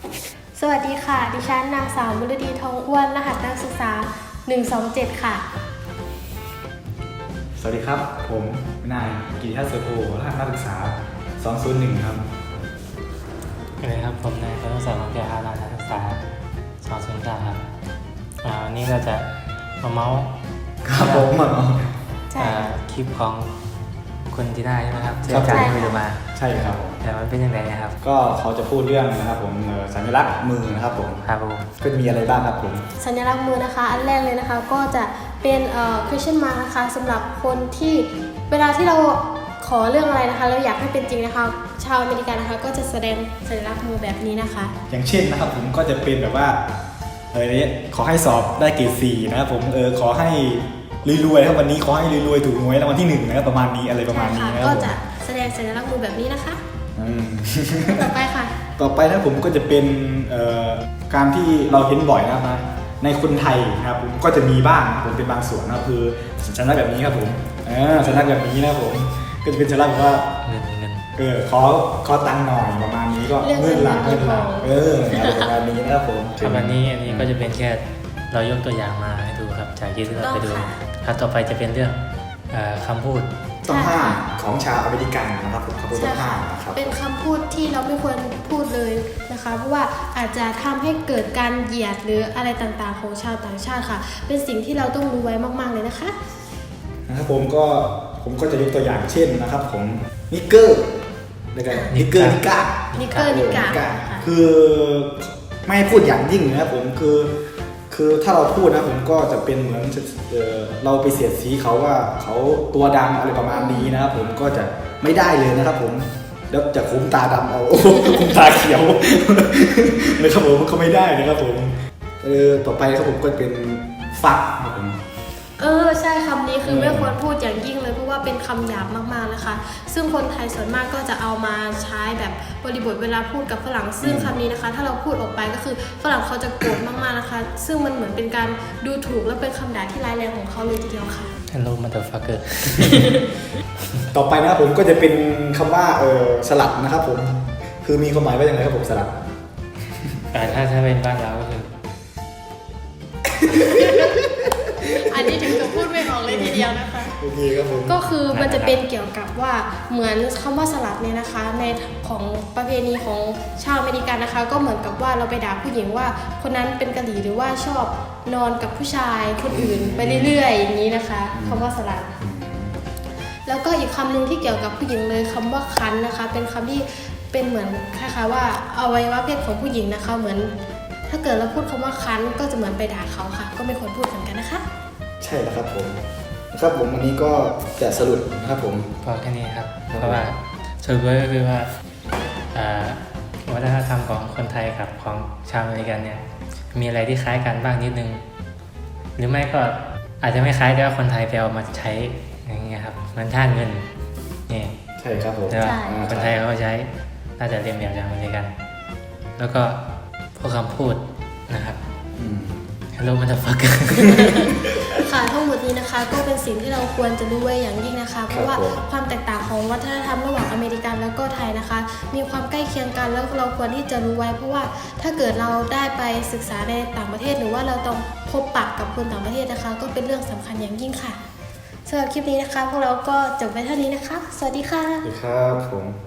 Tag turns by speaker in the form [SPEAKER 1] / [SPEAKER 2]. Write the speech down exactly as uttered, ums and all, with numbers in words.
[SPEAKER 1] สวัสดีค่ะดิฉันนางสาวมุรดีทองอ้วนรหัสนักศึกษาหนึ่งสองเจ็ดค่ะ
[SPEAKER 2] สวัสดีครับผมนายกิติทัศน์เสือโพรหัสนักศึกษาสองศูนย์หนึ่งครับ
[SPEAKER 3] สวัสดีครับผมนายคนที่สองของแกอารานักศึกษาสองศูนย์เก้าครับอ่าวันนี้เราจะมาเมาส์
[SPEAKER 2] ครับผมมา
[SPEAKER 3] คลิปของคุณทีน่าใช่ไหมครับที่อาจารย์ไปดูมา
[SPEAKER 2] ใช่ครับ
[SPEAKER 3] แต่มันเป็นยังไงนะครับ
[SPEAKER 2] ก็เขาจะพูดเรื่องนะครับผมสัญลักษณ์มือนะครับผม
[SPEAKER 3] ครับผม
[SPEAKER 2] ก็มีอะไรบ้างครับผม
[SPEAKER 1] สัญลักษณ์มือนะคะอันแรกเลยนะคะก็จะเป็นเอ่อ question mark นะคะสำหรับคนที่เวลาที่เราขอเรื่องอะไรนะคะเราอยากให้เป็นจริงนะคะชาวอเมริกันนะคะก็จะแสดงสัญลักษณ์มือแบบนี้นะคะ
[SPEAKER 2] อย่างเช่นนะครับผมก็จะเป็นแบบว่าเออเนี่ยขอให้สอบได้เกรดสี่นะครับผมเออขอให้รวยๆครับวันนี้ขอให้รวยๆถูกหวยรางวัลที่หนึ่งนะครับประมาณนี้อะไรประมาณนี้นะครับ
[SPEAKER 1] ก็จะแสดงสัญลักษณ์มือแบบนี้นะคะ
[SPEAKER 2] อืม
[SPEAKER 1] ต่อไปค่ะ
[SPEAKER 2] ต่อไปนะผมก็จะเป็นเอ่อการที่เราเห็นบ่อยนะครับในคนไทยนะครับผมก็จะมีบ้างผมเป็นบางส่วนนะคือสัญลักษณ์แบบนี้ครับผมเออสัญลักษณ์แบบนี้นะผมก็จะเป็นสัญลักษณ์แบบว่า
[SPEAKER 3] เงินเงิน
[SPEAKER 2] เออขอขอตังค์หน่อยประมาณนี้ก็เงินหลังเงินหลังเอออะไรประมาณนี้นะครับผม
[SPEAKER 3] ครับวันนี้อันนี้ก็จะเป็นแค่เรายกตัวอย่างมาให้ดูครับจากที่เราไปดูครับต่อไปจะเป็นเรื่องคำพูด
[SPEAKER 2] ต้องห้ามของชาวอเมริกันนะครับผมคำพูดต้องห้ามนะครับ
[SPEAKER 1] เป็นคำพูดที่เราไม่ควรพูดเลยนะคะเพราะว่าอาจจะทำให้เกิดการเหยียดหรืออะไรต่างๆของชาวต่างชาติค่ะเป็นสิ่งที่เราต้องรู้ไว้มากๆเลยนะคะ
[SPEAKER 2] นะครับผมก็ผมก็จะยกตัวอย่างเช่นนะครับผมนิกเกอร์นะครับนิกเกอร์นิก้า
[SPEAKER 1] นิกเกอร์นิก้า
[SPEAKER 2] คือไม่พูดอย่างยิ่งนะครับผมคือคือถ้าเราพูดนะผมก็จะเป็นเหมือนเออเราไปเสียดสีเขาว่าเขาตัวดำอะไรประมาณนี้นะครับผมก็จะไม่ได้เลยนะครับผมแล้วจะคุ้มตาดำเอาคุ้มตาเขียวนะครับผมก็ไม่ได้นะครับผมเออต่อไปครับผมก็เป็นฟักครับผม
[SPEAKER 1] เออใช่คำนี้คือไม่ควรพูดอย่างยิ่งเลยเพราะว่าเป็นคำหยาบมากๆนะคะซึ่งคนไทยส่วนมากก็จะเอามาใช้แบบบริบทเวลาพูดกับฝรั่งซึ่งคำนี้นะคะถ้าเราพูดออกไปก็คือฝรั่งเขาจะโกรธมากๆนะคะซึ่งมันเหมือนเป็นการดูถูกและเป็นคำด่าที่ร้ายแรงของเขาเลยทีเดียวค่ะ
[SPEAKER 3] Hello motherfucker
[SPEAKER 2] ต่อไปนะครับผมก็จะเป็นคำว่าเออสลัดนะครับผมคือมีความหมายว่าอย่างไรครับผมสลัด
[SPEAKER 3] แต่ถ้าถ้าเป็นบ้านเราก็คือ
[SPEAKER 1] อันนี้ถึงจะพูดไม่ออกเลยทีเดียวนะคะ
[SPEAKER 2] โอเคครับผม
[SPEAKER 1] ก็คือมันจะเป็นเกี่ยวกับว่าเหมือนคำว่าสลัดเนี่ยนะคะในของประเพณีของชาวอเมริกันนะคะก็เหมือนกับว่าเราไปด่าผู้หญิงว่าคนนั้นเป็นกะหรี่หรือว่าชอบนอนกับผู้ชายคนอื่นไปเรื่อยๆอย่างนี้นะคะคำว่าสลัดแล้วก็อีกคำหนึ่งที่เกี่ยวกับผู้หญิงเลยคำว่าคันนะคะเป็นคำที่เป็นเหมือนคล้ายๆว่าอวัยวะเพศของผู้หญิงนะคะเหมือนถ้าเกิดเราพูดคำว่าคันก็จะเหมือนไปด่าเขาค่ะก็ไม่ควรพูดเหมือนกันนะคะ
[SPEAKER 2] ใช่แล้วครับผมนะครับผมวันนี้ก็จะสรุปนะครับผม
[SPEAKER 3] พอแค่นี้ครับเพราะว่าสรุปก็คือว่าวัฒนธรรมของคนไทยกับของชาวอเมริกันเนี่ยมีอะไรที่คล้ายกันบ้างนิดนึงหรือไม่ก็อาจจะไม่คล้ายแต่ว่าคนไทยไปเอามาใช้อย่างเงี้ยครับมันท่าเงินนี่
[SPEAKER 2] ใช่ครับผม
[SPEAKER 3] แต่ว่าคนไทยเขาใช้น่าจะเรียนแบบอย่างอเมริกันแล้วก็พวกคำพูดนะครับ Hello motherfucker
[SPEAKER 1] ค่ะทั้งหมดนี้นะคะก็เป็นสิ่งที่เราควรจะรู้ไว้อย่างยิ่งนะคะเพราะว่าความแตกต่างของวัฒนธรรมระหว่างอเมริกันแล้วก็ไทยนะคะมีความใกล้เคียงกันแล้วเราควรที่จะรู้ไว้เพราะว่าถ้าเกิดเราได้ไปศึกษาในต่างประเทศหรือว่าเราต้องพบปะกับคนต่างประเทศนะคะก็เป็นเรื่องสำคัญอย่างยิ่งค่ะสำหรับคลิปนี้นะคะพวกเราก็จบไปเท่านี้นะคะสวัสดีค่ะ
[SPEAKER 2] สวัสดีครับผม